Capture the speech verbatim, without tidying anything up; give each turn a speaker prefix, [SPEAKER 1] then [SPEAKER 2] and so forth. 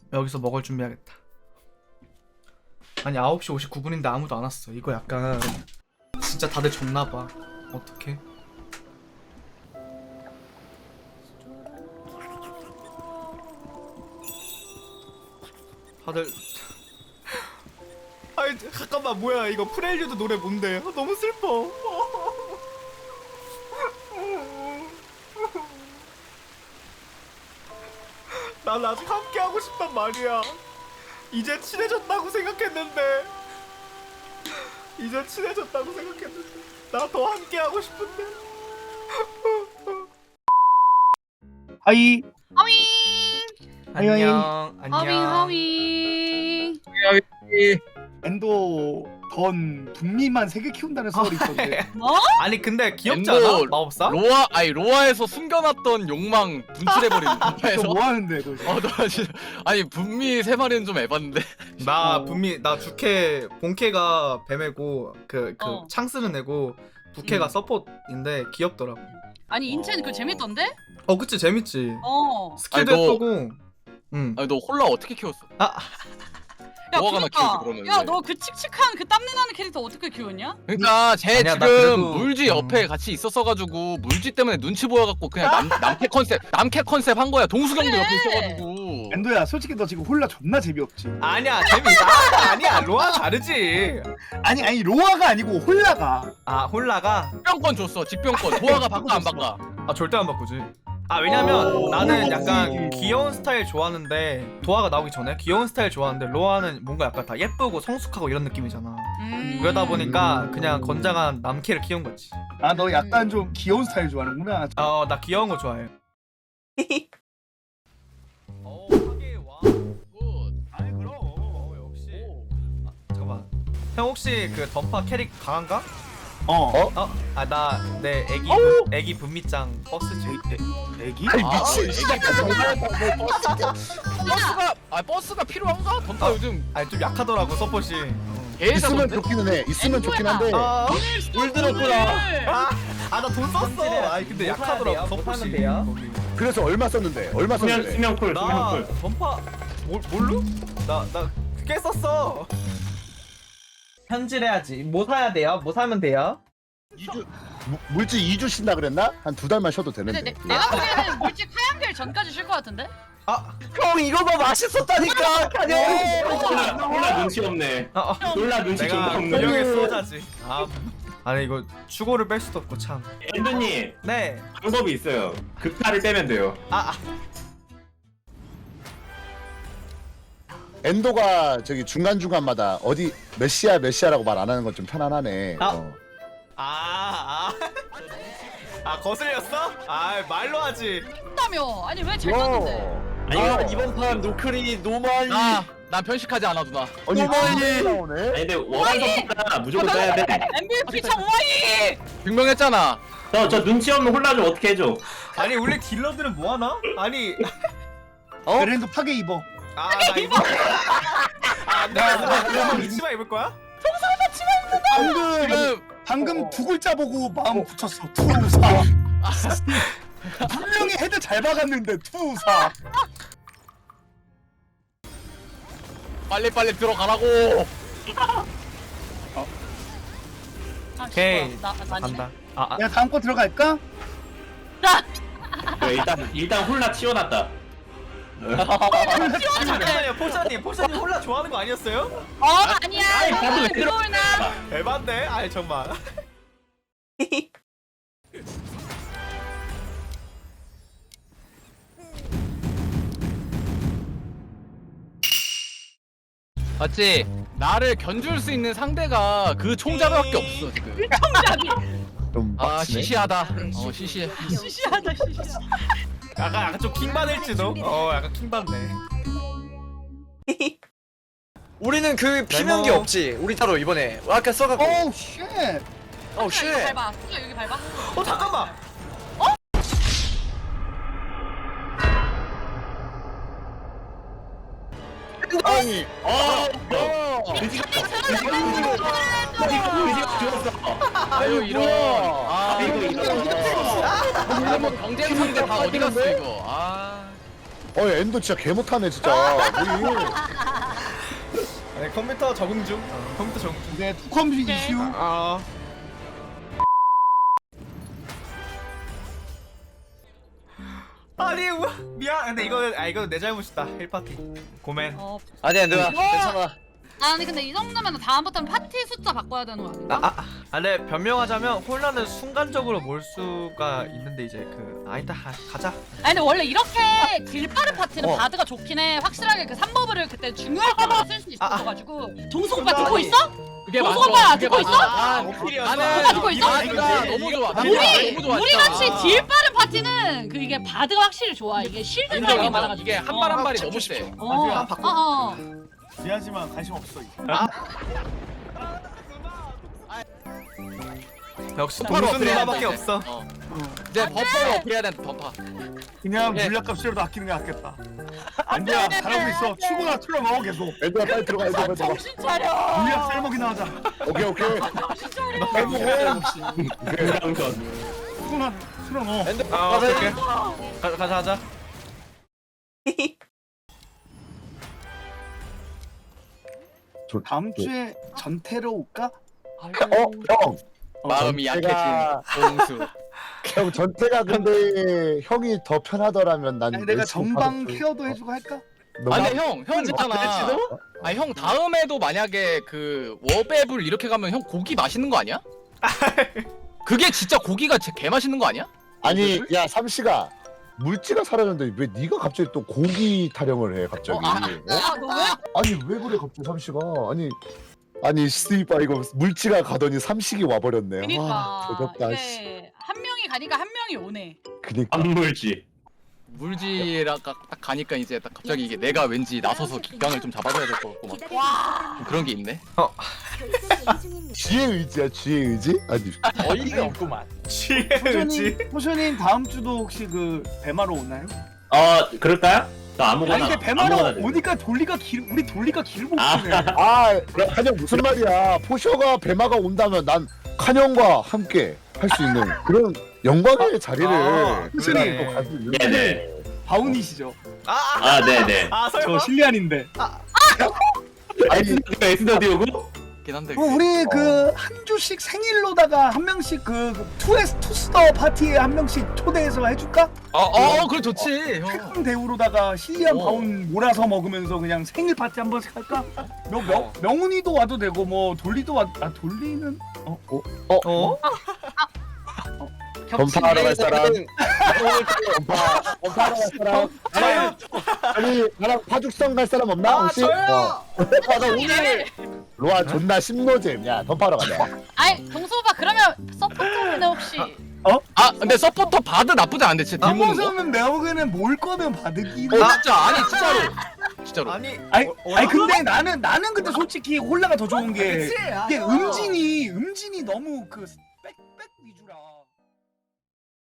[SPEAKER 1] 여기서 먹을 준비하겠다. 아니 아홉 시 오십구 분인데 아무도 안 왔어. 이거 약간 진짜 다들 졌나봐. 어떡해. 다들 아니 잠깐만 뭐야 이거 프렐류드 노래 뭔데? 아, 너무 슬퍼. 난 아직 함께 하고 싶단 말이야. 이제 친해졌다고 생각했는데 이제 친해졌다고 생각했는데 나 더 함께 하고 싶은데.
[SPEAKER 2] 하이.
[SPEAKER 3] 하윙
[SPEAKER 1] 안녕
[SPEAKER 3] 하윙
[SPEAKER 1] 안녕.
[SPEAKER 3] 하윙.
[SPEAKER 2] 엔도 던 북미만 세 개 키운다는 소리 있던데.
[SPEAKER 3] 뭐?
[SPEAKER 1] 아니 근데 귀엽지
[SPEAKER 4] 엔도
[SPEAKER 1] 않아? 마법사?
[SPEAKER 4] 로아 아니 로아에서 숨겨놨던 욕망 분출해버리는
[SPEAKER 2] 너
[SPEAKER 4] 분야에서.
[SPEAKER 2] 뭐 하는데 너?
[SPEAKER 4] 어, 너 진짜 아니 분미 세 마리는 좀 에반데.
[SPEAKER 1] 나
[SPEAKER 2] 어.
[SPEAKER 1] 분미 나 주캐 본캐가 뱀애고 그 그
[SPEAKER 3] 어.
[SPEAKER 1] 창스는 애고 부캐가
[SPEAKER 2] 음.
[SPEAKER 1] 서폿인데 귀엽더라고.
[SPEAKER 3] 아니 인첸 그 재밌던데?
[SPEAKER 1] 어 그치 재밌지.
[SPEAKER 3] 어.
[SPEAKER 1] 스킬도
[SPEAKER 4] 아니, 너-
[SPEAKER 1] 예쁘고. 응.
[SPEAKER 4] 아니 너 홀라 어떻게 키웠어?
[SPEAKER 1] 아
[SPEAKER 3] 야
[SPEAKER 4] 뭐가 하나
[SPEAKER 3] 그니까.
[SPEAKER 4] 키우지, 그러면
[SPEAKER 3] 야
[SPEAKER 4] 왜?
[SPEAKER 3] 너 그 칙칙한 그 땀내 나는 캐릭터 어떻게 키웠냐?
[SPEAKER 4] 그러니까 쟤
[SPEAKER 1] 아니야, 나
[SPEAKER 4] 지금
[SPEAKER 1] 그래도-
[SPEAKER 4] 물지 옆에 같이 있었어가지고 물지 때문에 눈치 보여갖고 그냥 남 남캐 컨셉 남캐 컨셉 한 거야. 동수경도
[SPEAKER 3] 그래.
[SPEAKER 4] 옆에 있어가지고.
[SPEAKER 2] 엔도야, 솔직히 너 지금 홀라 존나 재미없지.
[SPEAKER 1] 아니야 재밌다. 아, 아니야 로아 다르지.
[SPEAKER 2] 아니 아니 로아가 아니고 홀라가.
[SPEAKER 1] 아 홀라가
[SPEAKER 4] 집병권 줬어. 집병권. 도화가 바꿔 안 바꿔?
[SPEAKER 1] 아 절대 안 바꾸지. 아 왜냐면
[SPEAKER 2] 오,
[SPEAKER 1] 나는
[SPEAKER 2] 오,
[SPEAKER 1] 약간
[SPEAKER 2] 오.
[SPEAKER 1] 귀여운 스타일 좋아하는데 도화가 나오기 전에 귀여운 스타일 좋아하는데 로아는 뭔가 약간 다 예쁘고 성숙하고 이런 느낌이잖아.
[SPEAKER 3] 음.
[SPEAKER 1] 그러다 보니까 그냥 건장한 남캐를 키운 거지.
[SPEAKER 2] 아 너 약간 좀 귀여운 스타일 좋아하는구나.
[SPEAKER 1] 어 나 귀여운 거 좋아해. 어 하게 와. 아니 그럼 어, 역시. 아, 잠깐만. 형 혹시 그 던파 캐릭 강한가?
[SPEAKER 2] 어.
[SPEAKER 1] 어? 아 나 내 애기 분- 애기 분미짱 버스 중.
[SPEAKER 2] 애기?
[SPEAKER 4] 아니 미친. 버스가 아 버스가 필요한가? 던파
[SPEAKER 1] 아.
[SPEAKER 4] 요즘
[SPEAKER 1] 아니 좀 약하더라고 서폿이. 어.
[SPEAKER 5] 있으면
[SPEAKER 4] 개사던데?
[SPEAKER 5] 좋기는 해. 있으면 좋긴 한데.
[SPEAKER 1] 아,
[SPEAKER 3] 물
[SPEAKER 1] 들었구나. 아 나 돈 썼어. 아니 근데 약하더라고 서폿이. 거기.
[SPEAKER 5] 그래서 얼마 썼는데? 얼마
[SPEAKER 6] 수면
[SPEAKER 5] 썼는데?
[SPEAKER 6] 수면쿨
[SPEAKER 1] 나
[SPEAKER 6] 수면쿨.
[SPEAKER 1] 던파 뭘 뭘로? 나나 꽤 썼어.
[SPEAKER 7] 현질해야지. 뭐 사야 돼요? 뭐 사면 돼요?
[SPEAKER 5] 이 주 무- 물질 이 주 쉰다 그랬나? 한 두 달만 쉬어도
[SPEAKER 3] 근데
[SPEAKER 5] 되는데.
[SPEAKER 3] 내, 내가 보기에는 물집 하얀별 전까지 쉴 것 같은데?
[SPEAKER 1] 아,
[SPEAKER 7] 형 이거 봐 맛있었다니까 카냐.
[SPEAKER 6] 홀라 홀라 눈치 없네.
[SPEAKER 1] 아, 아.
[SPEAKER 6] 홀라 눈치
[SPEAKER 1] 내가
[SPEAKER 6] 존나 없네.
[SPEAKER 1] 근육의 수호자지. 아, 아니 이거 추고를 뺄 수도 없고 참.
[SPEAKER 6] 엔드님
[SPEAKER 1] 네.
[SPEAKER 6] 방법이 있어요. 급타를 빼면 돼요.
[SPEAKER 1] 아, 아.
[SPEAKER 5] 엔도가 저기 중간 중간마다 어디 몇 시야 몇 시야라고 말 안 하는 건 좀 편안하네.
[SPEAKER 1] 아.
[SPEAKER 5] 어.
[SPEAKER 1] 아, 아. 아 거슬렸어? 아 말로 하지.
[SPEAKER 3] 했다며. 아니 왜 잘 떴는데?
[SPEAKER 7] 아 이번 판 노크리 노마이.
[SPEAKER 4] 나난 편식하지 않아 누나.
[SPEAKER 5] 아니
[SPEAKER 7] 어머니.
[SPEAKER 5] 진짜 나오네.
[SPEAKER 6] 아니 근데 원한 선수가 무조건 써야 돼.
[SPEAKER 3] 엠브이피 정와이.
[SPEAKER 4] 증명했잖아.
[SPEAKER 6] 저 저 눈치 없는 홀라 좀 어떻게 해줘?
[SPEAKER 1] 아니 원래 딜러들은 뭐 하나? 아니,
[SPEAKER 2] 어? 그래도 파괴 입어.
[SPEAKER 1] 아 나 이거. 아, 내가 이 치마 입을 거야?
[SPEAKER 5] 방금
[SPEAKER 4] 지금
[SPEAKER 2] 방금 두 글자 보고 마음 붙였어. 투사. 분명히 헤드 잘 박았는데 투사.
[SPEAKER 4] 빨리 빨리 들어가라고.
[SPEAKER 3] 아,
[SPEAKER 1] 오케이.
[SPEAKER 3] 나 나-
[SPEAKER 1] 간다. 아, 아.
[SPEAKER 2] 야 다음 거 들어갈까?
[SPEAKER 3] 나.
[SPEAKER 6] 네, 일단 일단 홀라 치워놨다.
[SPEAKER 1] 잠깐만요, 포샤님, 포샤님 홀라 좋아하는 거 아니었어요?
[SPEAKER 3] 어 아니야.
[SPEAKER 6] 아이, 나도
[SPEAKER 3] 너는
[SPEAKER 6] 왜
[SPEAKER 3] 그걸 나.
[SPEAKER 1] 에반데? 아니 정말.
[SPEAKER 4] 맞지? 나를 견줄 수 있는 상대가 그 총잡이밖에 없어 지금.
[SPEAKER 3] 청잡이.
[SPEAKER 5] 좀
[SPEAKER 4] 아
[SPEAKER 5] 빡치네.
[SPEAKER 4] 시시하다. 어 시시해.
[SPEAKER 3] 시시하다 시시하.
[SPEAKER 1] 약간 약간 좀 킹 받을지도. 어, 약간 킹 받네.
[SPEAKER 7] 우리는 그 피명기
[SPEAKER 1] 네모.
[SPEAKER 7] 없지. 우리 따로 이번에 아까 써갖고.
[SPEAKER 2] 오우 쉣.
[SPEAKER 7] 어 쉣.
[SPEAKER 3] 여기 밟아. 진짜 여기 밟아.
[SPEAKER 1] 어 잠깐만.
[SPEAKER 5] 아니.
[SPEAKER 6] 어. 어. 의지가 의지가 의지가 죽었어.
[SPEAKER 4] 아유 이런. 아
[SPEAKER 6] 이거 이거.
[SPEAKER 4] 이거 뭐 경쟁 상대 다 어디 갔어 이거. 아.
[SPEAKER 5] 어 엔도 진짜 개 못하네 진짜. 뭐이?
[SPEAKER 1] 아니 컴퓨터 적응 중. 어, 컴퓨터 적응 중.
[SPEAKER 2] 이제 투컴 이슈.
[SPEAKER 1] 아. 아니 우- 미안. 근데 이거 아 이거 내 잘못이다. 일 파티. 고멘.
[SPEAKER 3] 어.
[SPEAKER 7] 아니야 누나 괜찮아.
[SPEAKER 3] 아니 근데 이 정도면 다음부터는 파티 숫자 바꿔야 되는 거 아닌가?
[SPEAKER 1] 아, 아, 아, 근데 변명하자면 혼란은 순간적으로 몰 수가 있는데 이제 그 아니다 아, 가자.
[SPEAKER 3] 아니 근데 원래 이렇게 길 빠른 파티는 바드가 좋긴 해. 확실하게 그 삼 버블을 그때 중요할 때마다 쓸 수 있어가지고. 동수 오빠 듣고 있어?
[SPEAKER 4] 그게
[SPEAKER 3] 동수
[SPEAKER 4] 맞아.
[SPEAKER 3] 오빠
[SPEAKER 4] 그게
[SPEAKER 3] 듣고
[SPEAKER 4] 맞아.
[SPEAKER 3] 있어?
[SPEAKER 1] 아, 오피리였어.
[SPEAKER 3] 오빠 듣고 있어?
[SPEAKER 4] 바드가 너무 좋아.
[SPEAKER 3] 우리
[SPEAKER 4] 너무 좋아.
[SPEAKER 3] 우리 같이 딜 빠른 파티는 그 이게 바드가 확실히 좋아. 이게 실드
[SPEAKER 4] 인정
[SPEAKER 3] 드라이브가
[SPEAKER 4] 인정.
[SPEAKER 3] 많아가지고.
[SPEAKER 4] 이게 한 발 한 발이 너무 세.
[SPEAKER 3] 어,
[SPEAKER 1] 나중에
[SPEAKER 3] 어,
[SPEAKER 1] 한번 바꿔.
[SPEAKER 3] 어.
[SPEAKER 2] 미안하지만 관심 없어. 이거.
[SPEAKER 1] 역시
[SPEAKER 4] 바로
[SPEAKER 1] 동수
[SPEAKER 4] 어필해야
[SPEAKER 1] 누나밖에
[SPEAKER 4] 돼.
[SPEAKER 1] 없어.
[SPEAKER 4] 어. 이제 버퍼를 어필해야 된다. 버퍼.
[SPEAKER 2] 그냥
[SPEAKER 4] 네.
[SPEAKER 2] 물약값이라도 아끼는 게 낫겠다. 아니야 잘하고 있어. 치고나 틀어 먹어 계속.
[SPEAKER 5] 엔도야 빨리 들어가 엔도 빨리 들어가.
[SPEAKER 3] 정신 차려.
[SPEAKER 2] 물약 쌀먹이나 하자.
[SPEAKER 5] 오케이 오케이.
[SPEAKER 6] 그랑선.
[SPEAKER 2] 치고나 틀어 넣어.
[SPEAKER 1] 아 오케이 오케이. 가, 가자 가자.
[SPEAKER 5] 저-
[SPEAKER 2] 다음 주에 전태로 올까?
[SPEAKER 5] 어 형.
[SPEAKER 4] 마음이
[SPEAKER 5] 전태가-
[SPEAKER 4] 약해진 동수.
[SPEAKER 5] 형 전태가 근데 형이 더 편하더라면 난
[SPEAKER 2] 아니, 내가
[SPEAKER 5] 열심히
[SPEAKER 2] 전방
[SPEAKER 5] 받아줄-
[SPEAKER 2] 케어도 해주고 할까?
[SPEAKER 5] 너무-
[SPEAKER 4] 아 근데 형, 형 있잖아. 아니 형 다음에도 만약에 그 워베블 이렇게 가면 형 고기 맛있는 거 아니야? 그게 진짜 고기가 제- 개 맛있는 거 아니야?
[SPEAKER 5] 아니 야 삼시가 물지가 사라졌는데 왜 네가 갑자기 또 고기 타령을 해 갑자기?
[SPEAKER 4] 어, 아,
[SPEAKER 5] 어?
[SPEAKER 3] 아, 너 왜?
[SPEAKER 5] 아니 왜 그래 갑자기 삼시가? 아니 아니 스티바 이거 물지가 가더니 삼식이 와버렸네.
[SPEAKER 3] 그니까
[SPEAKER 5] 아, 조졌다. 씨.
[SPEAKER 3] 이게 한 명이 가니까 한 명이 오네.
[SPEAKER 5] 그니까.
[SPEAKER 6] 안물지.
[SPEAKER 4] 물지랑 딱 가니까 이제 딱 갑자기 이게 내가 왠지 나서서 기강을 좀 잡아줘야 될 것 같고 막 좀 그런 게 있네.
[SPEAKER 5] 쥐의 의지야 쥐의 의지? 아니
[SPEAKER 7] 어이가 없구만.
[SPEAKER 1] 지혜지.
[SPEAKER 2] 호쇼님, 호쇼님 다음 주도 혹시 그 배마로 오나요?
[SPEAKER 6] 어 그럴까요? 나 아무거나.
[SPEAKER 2] 아니 근데 배마로
[SPEAKER 6] 아무거나 돼.
[SPEAKER 2] 오니까 돌리가 길 우리 돌리가 길고
[SPEAKER 6] 아.
[SPEAKER 2] 오네.
[SPEAKER 5] 아 한영 무슨 말이야? 포셔가 배마가 온다면 난 칸형과 함께 할 수 있는 그런 영광의 자리를
[SPEAKER 1] 아,
[SPEAKER 5] 그날
[SPEAKER 1] 그러네.
[SPEAKER 5] 또 가질 있는데.
[SPEAKER 6] 네네.
[SPEAKER 2] 바운이시죠?
[SPEAKER 1] 아, 아,
[SPEAKER 6] 아 네네.
[SPEAKER 1] 아
[SPEAKER 2] 저
[SPEAKER 1] 설마.
[SPEAKER 2] 실리안인데.
[SPEAKER 5] 아니
[SPEAKER 6] 에스더디오고?
[SPEAKER 4] 긴 한데.
[SPEAKER 2] 어, 우리 그 한 주씩 생일로다가 한 명씩 그 투에스 투스터 파티에 한 명씩 초대해서 해줄까?
[SPEAKER 4] 어, 어, 그래 좋지. 형.
[SPEAKER 2] 태권 대우로다가 실리안
[SPEAKER 4] 어.
[SPEAKER 2] 바운 몰아서 먹으면서 그냥 생일 파티 한 번씩 할까? 명, 명, 명훈이도 와도 되고 뭐 돌리도 와. 아 돌리는 어? 어?
[SPEAKER 1] 어?
[SPEAKER 5] 검사하러 갈 사람. 검사 검사하러 갈 사람.
[SPEAKER 1] 저요.
[SPEAKER 5] 아니 나랑 파죽성 갈 사람 없나
[SPEAKER 1] 아
[SPEAKER 5] 혹시?
[SPEAKER 1] 저요.
[SPEAKER 5] 어. 아, 나 오늘 로아 존나 심노잼. 야 덤파러 가자.
[SPEAKER 3] 아니 동수 오빠 그러면 서포터는 혹시
[SPEAKER 4] 아 근데 서포터 바드 나쁘지 않은데 진짜 딜 모는 거.
[SPEAKER 2] 남성은 내가 보기에는 모을 거면 받으기.
[SPEAKER 4] 어 진짜 아니 진짜로. 진짜로.
[SPEAKER 1] 아니.
[SPEAKER 2] 아니,
[SPEAKER 1] 어, 어,
[SPEAKER 2] 아니 근데 나는 나는 근데 솔직히 홀라가 더 좋은 게
[SPEAKER 1] 그치? 아,
[SPEAKER 2] 이게
[SPEAKER 1] 어.
[SPEAKER 2] 음진이 음진이 너무 그 빽빽 위주라.